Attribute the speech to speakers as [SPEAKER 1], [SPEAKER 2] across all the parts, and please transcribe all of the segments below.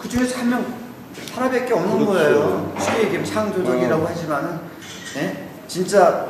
[SPEAKER 1] 그 중에서 한 명 하나밖에 없는
[SPEAKER 2] 그렇죠.
[SPEAKER 1] 거예요. 쉽게 얘기하면 창조적이라고 하지만은 예? 진짜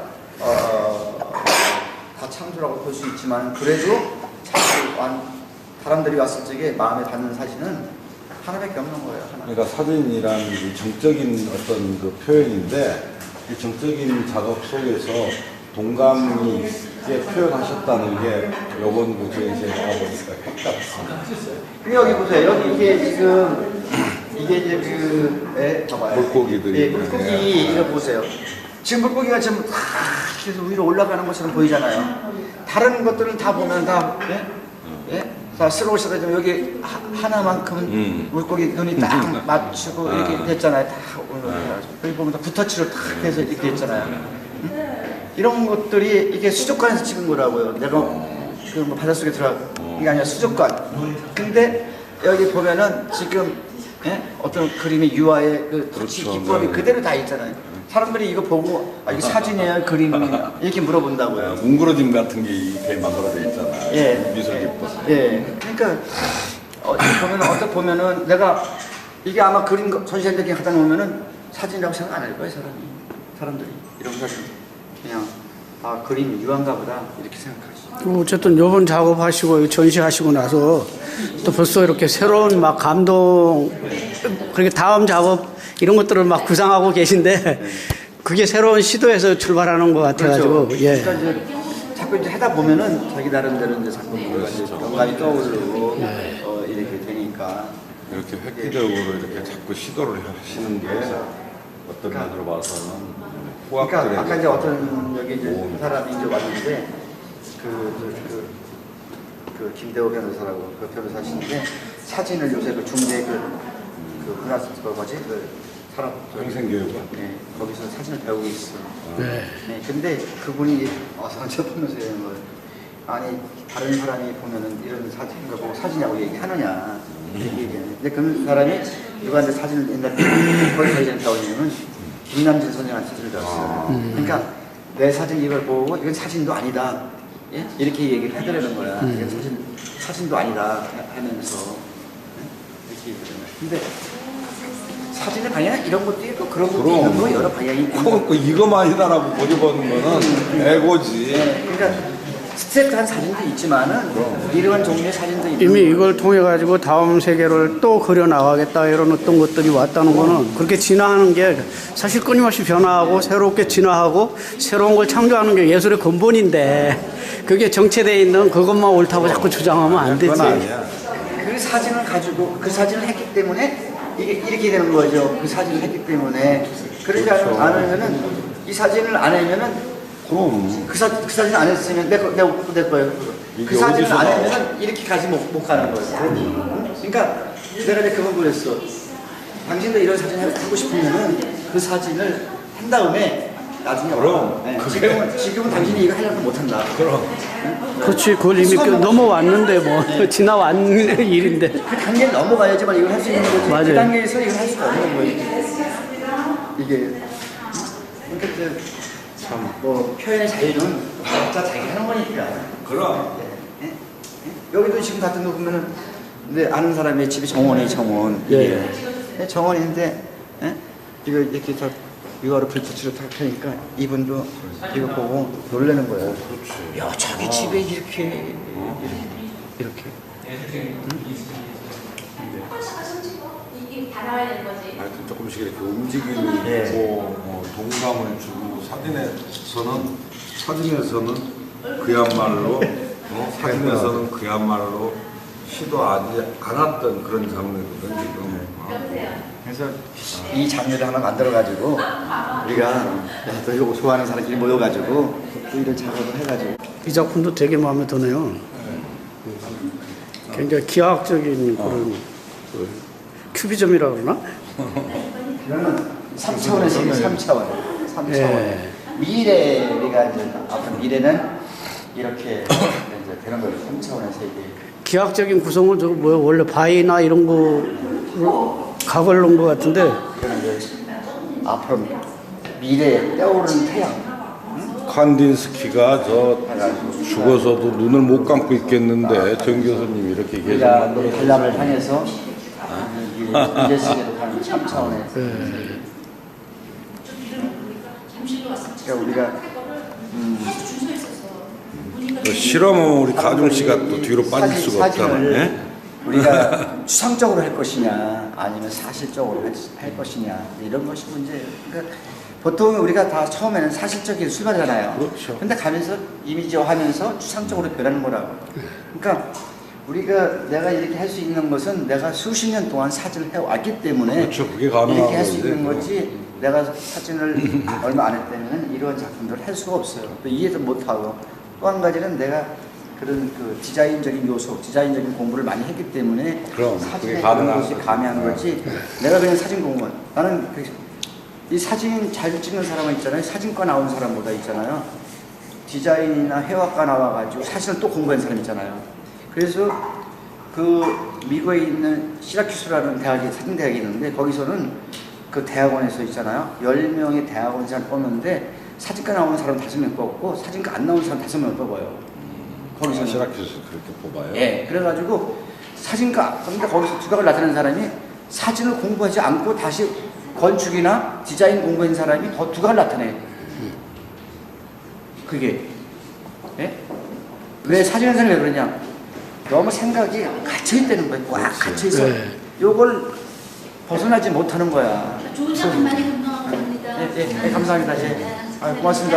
[SPEAKER 1] 다 창조라고 볼 수 있지만 그래도 사람들이 왔을 적에 마음에 닿는 사진은 하나밖에 없는 거예요. 하나.
[SPEAKER 2] 그러니까 사진이라는 게 정적인 어떤 그 표현인데 이 정적인 작업 속에서 동감이 있게 표현하셨다는 게 요번 무대에서 나와보니까 핵 같습니다.
[SPEAKER 1] 여기 보세요. 여기 이게 지금 이게 이제 봐봐요.
[SPEAKER 2] 물고기들이.
[SPEAKER 1] 예, 물고기 이거 보세요. 지금 물고기가 지금 다 계속 위로 올라가는 것처럼 보이잖아요. 다른 것들은 다 보면 다 예? 자, 스로우시가 여기 하나만큼은 물고기 눈이 딱 맞추고 이렇게 됐잖아요. 다 올라가가지고 여기 보면 다 붓터치로 딱 해서 이렇게 됐잖아요. 이런 것들이 이게 수족관에서 찍은 거라고요. 내가 그 뭐 바닷속에 이게 아니라 수족관. 근데 여기 보면은 지금 어떤 그림의 유화의 그 터치
[SPEAKER 2] 그렇죠.
[SPEAKER 1] 기법이
[SPEAKER 2] 네.
[SPEAKER 1] 그대로 다 있잖아요. 사람들이 이거 보고 이게 사진이에요, 그림이에요 이렇게 물어본다고요.
[SPEAKER 2] 뭉그러짐 같은 게 이렇게 만들어져 있잖아요.
[SPEAKER 1] 예.
[SPEAKER 2] 미술 기법.
[SPEAKER 1] 예. 그러니까 어떻게 보면은 내가 이게 아마 그림 전시회에 하다 놓으면은 사진이라고 생각 안 할 거예요, 사람들이 이런 사진 그냥 그림 유한가 보다 이렇게 생각하시죠.
[SPEAKER 3] 어쨌든 요번 작업하시고 전시하시고 나서 또 벌써 이렇게 새로운 막 감동, 그렇게 다음 작업 이런 것들을 막 구상하고 계신데 그게 새로운 시도에서 출발하는 것 같아가지고.
[SPEAKER 1] 그렇죠.
[SPEAKER 3] 예.
[SPEAKER 1] 그러니까 이제 자꾸 이제 하다 보면은 자기 나름대로 이제 자꾸 뭔가 이제 영감이 떠오르고 이렇게 되니까
[SPEAKER 2] 이렇게 획기적으로 이렇게 자꾸 시도를 하시는 게 어떤 면으로 봐서는
[SPEAKER 1] 그러니까
[SPEAKER 2] 후학들에게
[SPEAKER 1] 아까 이제 어떤 여기 이제 한 사람이 이제 왔는데 그 김대호 변호사라고 그 변호사신데 사진을 요새 그 중대 그 문화 뭐지 그 사람
[SPEAKER 2] 평생교육원.
[SPEAKER 1] 네 거기서 사진을 배우고 있어.
[SPEAKER 3] 네.
[SPEAKER 1] 네 근데 그분이 상처 보면서 이런 걸 아니 다른 사람이 보면은 이런 사진인 거 보고 사진이라고 얘기하느냐 이렇게 얘기하는데 근데 그 사람이 누구한테 사진을 옛날에 거기 사진을 배우냐면 김남진 선생한테 사진을 배웠어요. 그러니까 내 사진 이걸 보고 이건 사진도 아니다. 예? 이렇게 얘기를 해드리는 거야. 이건 사진도 아니다 하면서 이렇게 얘기하는 거야. 근데 사진의 방향은 이런 것도 있고 그런 것도 있는 거 여러 방향이 있는 거.
[SPEAKER 2] 꼭 이거만이다라고 보여보는 거는 애고지.
[SPEAKER 1] 네, 그러니까 스트레이트한 사진도 있지만은 이러한 종류의 사진도 있는
[SPEAKER 3] 이미 이걸 통해 가지고 다음 세계를 또 그려 나가겠다 이런 어떤 것들이 왔다는 거는 그렇게 진화하는 게 사실 끊임없이 변화하고 새롭게 진화하고 새로운 걸 창조하는 게 예술의 근본인데 그게 정체되어 있는 그것만 옳다고 자꾸 주장하면 안 되지.
[SPEAKER 2] 그건 아니야.
[SPEAKER 1] 그 사진을 가지고 그 사진을 했기 때문에 이게 이렇게 되는 거죠. 그 사진을 했기 때문에 그러지 않으면은 이 사진을 안 하면은
[SPEAKER 2] 그럼
[SPEAKER 1] 그 사진 안 했으면 내 거예요. 그 사진을 안 하면은 이렇게 가지 못 가는 거예요. 그러니까 내가 이제 그건 그랬어. 당신도 이런 사진 하고 싶으면은 그 사진을 한 다음에 나중에
[SPEAKER 2] 그럼
[SPEAKER 1] 네. 지금은 당신이 이거 하려고 못 한다.
[SPEAKER 2] 그럼
[SPEAKER 3] 그렇지, 그걸 이미 넘어왔는데 뭐 지나왔는 일인데.
[SPEAKER 1] 그 단계를 넘어가야지만 이걸 할 수 있는 거지.
[SPEAKER 3] 맞아요.
[SPEAKER 1] 그 단계에서 이걸 할 수가 없는 거예요. 이게 그러니까 이제 뭐 표현의 자유는 각자 자기 하는 거니까.
[SPEAKER 2] 그럼
[SPEAKER 1] 예? 예? 여기도 지금 같은 거 보면은 근데 아는 사람의 집이 정원이 정원.
[SPEAKER 3] 예.
[SPEAKER 1] 예, 정원인데 예? 이거 이렇게 다 유화로 불빛으로 탁 하니까 이분도 이거 보고 놀라는 거예요.
[SPEAKER 2] 그렇지.
[SPEAKER 1] 야 자기 집에 이렇게.
[SPEAKER 4] 이게 다 나와야 되는 거지.
[SPEAKER 2] 하여튼 조금씩 이렇게 움직임이
[SPEAKER 1] 예.
[SPEAKER 2] 있고 동감을 주고 사진에서는 그야말로 사진에서는 그야말로 시도하지 않았던 그런 장르거든 지금.
[SPEAKER 1] 그래서 이 장르를 하나 만들어가지고 우리가 또 이거 좋아하는 사람끼리 모여가지고 또 이런 작업을 해가지고
[SPEAKER 3] 이 작품도 되게 마음에 드네요. 굉장히 기하학적인 그런 큐비즘이라고 그러나?
[SPEAKER 1] 이거는 3차원의 세계, 3차원.
[SPEAKER 3] 예.
[SPEAKER 1] 미래, 우리가 이제 앞으로 미래는 이렇게 이제 되는 거예요. 3차원의 세계.
[SPEAKER 3] 기하학적인 구성은 저거 뭐야, 원래 바위나 이런 거 각을 놓은 것 같은데.
[SPEAKER 1] 이거는 이제 앞으로 미래에 떠오르는 태양.
[SPEAKER 2] 칸딘스키가 죽어서도 눈을 못 감고 있겠는데 정 교수님이 이렇게 계속
[SPEAKER 1] 우리가
[SPEAKER 2] 만들어서
[SPEAKER 1] 관람을 향해서 이제 세계로 가는 3차원에서. 그러니까 우리가
[SPEAKER 2] 또 실험은 우리 가중 씨가 또 뒤로 빠질 수가 없잖아요.
[SPEAKER 1] 사진을
[SPEAKER 2] 예?
[SPEAKER 1] 우리가 추상적으로 할 것이냐 아니면 사실적으로 할 것이냐 이런 것이 문제예요. 그러니까 보통 우리가 다 처음에는 사실적인 출발이잖아요.
[SPEAKER 2] 그렇죠.
[SPEAKER 1] 근데 가면서 이미지화하면서 추상적으로 변하는 거라고. 그러니까 우리가 내가 이렇게 할 수 있는 것은 내가 수십 년 동안 사진을 해왔기 때문에
[SPEAKER 2] 그렇죠. 그게 가능한
[SPEAKER 1] 이렇게 할 수
[SPEAKER 2] 건데,
[SPEAKER 1] 있는
[SPEAKER 2] 그거.
[SPEAKER 1] 거지 내가 사진을 얼마 안 했다면 이런 작품들을 할 수가 없어요. 또 이해도 못하고 또 한 가지는 내가 그런 그 디자인적인 요소, 디자인적인 공부를 많이 했기 때문에
[SPEAKER 2] 그럼,
[SPEAKER 1] 사진에
[SPEAKER 2] 그게
[SPEAKER 1] 그런
[SPEAKER 2] 가능한
[SPEAKER 1] 것이
[SPEAKER 2] 거죠.
[SPEAKER 1] 가미한 거지 내가 그냥 사진 공부만 나는 이 사진 잘 찍는 사람은 있잖아요. 사진과 나온 사람보다 있잖아요. 디자인이나 해화과 나와가지고 사진을 또 공부한 사람 있잖아요. 그래서 그 미국에 있는 시라큐스라는 대학이 사진대학이 있는데 거기서는 그 대학원에서 있잖아요. 10명의 대학원생을 뽑는데 사진과 나오는 사람 5명 뽑고 사진과 안 나오는 사람 5명을 뽑아요. 거기서
[SPEAKER 2] 시라큐스 그렇게 뽑아요.
[SPEAKER 1] 예, 그래가지고 사진가 근데 거기서 두각을 나타낸 사람이 사진을 공부하지 않고 다시 건축이나 디자인 공부한 사람이 더 두각을 나타내. 그게 예? 왜 사진을 사람이 왜 그러냐? 너무 생각이 갇혀 있다는 거예요. 꽉 갇혀 있어.
[SPEAKER 3] 네.
[SPEAKER 1] 요걸 벗어나지 못하는 거야.
[SPEAKER 4] 좋은 작품 많이 건강합니다.
[SPEAKER 1] 예, 감사합니다. 예. 고맙습니다.